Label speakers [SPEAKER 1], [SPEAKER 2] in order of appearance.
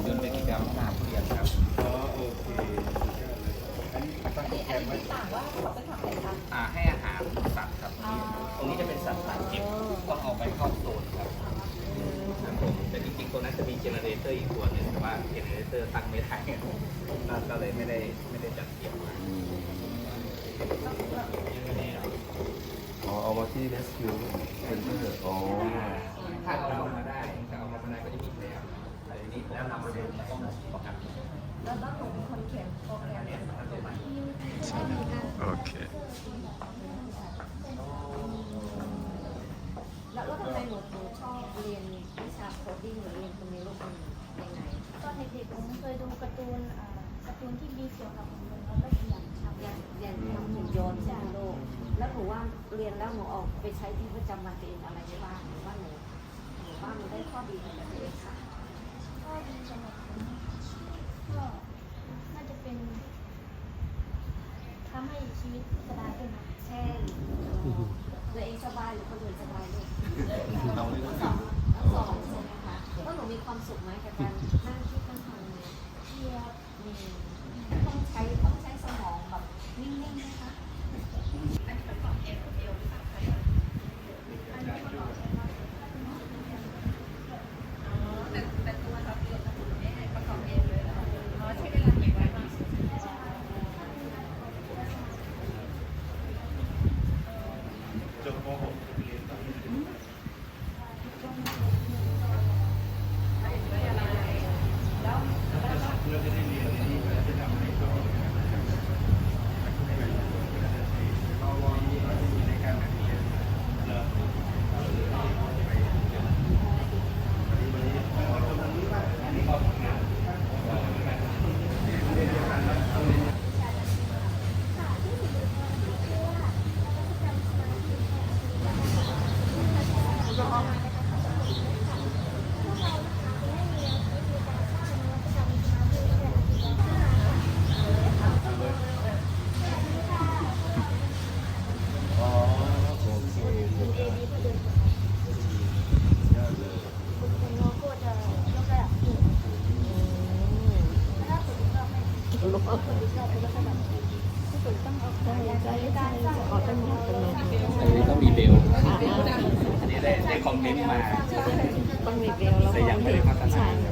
[SPEAKER 1] ยนต์เป็นกิจกรรมพัฒนาผู้เรียนครับ
[SPEAKER 2] อ๋อโอเคอันนี้ตั้งโปรแกรมไว้
[SPEAKER 3] ต่างว่าเขาไปทำอะไรคะ
[SPEAKER 1] ให้อาหารสัตว์ครับตรงนี้จะเป็นสัตว์สายเก็บต้องเอาไปเข้าโซนครับผมแต่จริงๆตัวนั้นจะมีเจเนเรเตอร์อีกตัวหนึ่งแต่ว่าเจเนเรเตอร์ตั้งไม่ได้ก็เลยไม่ได้จัดเก็บมา
[SPEAKER 2] เอามาที่ Rescue Center อ๋อ
[SPEAKER 1] ถ้าเอามาได้จะเอามาได้ก็จะมีแล้วแต่ทีนี้แล้วนำมาดูต้องประกัน
[SPEAKER 3] แล้วต้องหนูเป็นคนเขียนโปรแกรม
[SPEAKER 4] โอเค
[SPEAKER 3] แล้วทำไมหนูชอบเรียนวิชาโคดดิ้งหรือเรียนตรงนี้ลูกเป็นยังไง
[SPEAKER 5] ตอนเด็กๆผมเคยดูการ์ตูนที่มีเกี่ยวกับหุ่นยนต์แล้วก็อยากทำ
[SPEAKER 3] เรียนทำหุ่นยนต์ใช่ไหมลูกแล้วหนูว่าเรียนแล้วหนูออกไปใช้ที่ประจำวันตัวเองอะไรได้บ้างหรือว่าหนูว่ามันได้ข้อดีอะไรตัวเองค่ะ
[SPEAKER 5] ข้อดีสำหรับผมก็น่าจะเป็นทำให้ชีวิตสบายขึ้นนะ
[SPEAKER 3] เช่นตัวเองสบายหรือคนอื่นสบายลูก
[SPEAKER 1] เรา
[SPEAKER 3] สองใช่ไหมคะแล้วหนูมีความสุขไหมกับการนั่งคิดนั่งทำเนี่ย
[SPEAKER 5] เทียบ
[SPEAKER 3] ต้องใช้สมองแบบนิ่งๆนะคะอันนี้ประกอบเอวหรือเปล่าคะอันนี้ประกอบแต่ตัวเราเองประกอบเองเลยเหรอใช้เวลากี่วันบ้าง
[SPEAKER 2] จบม .6 เรียนต่อเราจะได้เรียนที่จะทำให้เขาในการเรียน
[SPEAKER 1] ต้องมีเบลอันนี้ได้คอมเมนต์มา
[SPEAKER 3] ต้องมีเบลแล้ว
[SPEAKER 1] แต่ยังไม่ได้พัฒนา